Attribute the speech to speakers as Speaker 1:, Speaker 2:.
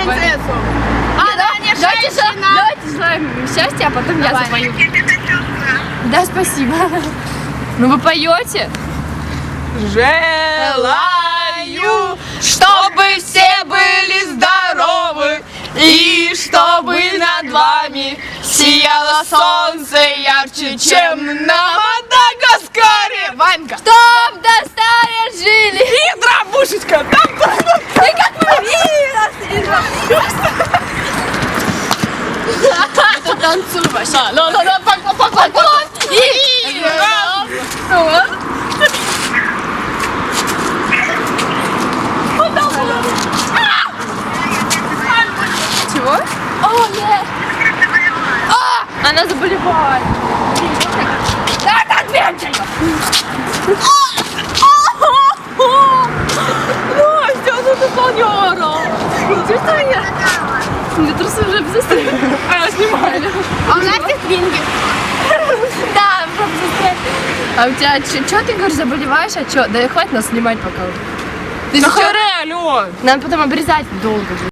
Speaker 1: принцессу.
Speaker 2: Давайте желаем счастья, а потом я запою. Да, спасибо. Ну вы поете?
Speaker 1: Желаю, чтобы все были здоровы, и чтобы над вами сияло солнце ярче, чем на Мадагаскаре. Ванька.
Speaker 2: Чтоб до стария жили.
Speaker 1: И дробушечка. Там.
Speaker 2: И как мы это танцуй вообще. Поклон. И раз. Чего? О, нет. Она заболевает. Да, ответьте. Настя, ну ты планера. Чувствуешь меня? Мне трусы уже обзастрели. А я снимаю.
Speaker 1: А у нас есть винги.
Speaker 2: Да, просто застряли. А у тебя, что ты говоришь, заболеваешь? А что? Да хватит нас снимать пока. Ты
Speaker 1: Да
Speaker 2: чё?
Speaker 1: алло.
Speaker 2: Нам потом обрезать долго будет.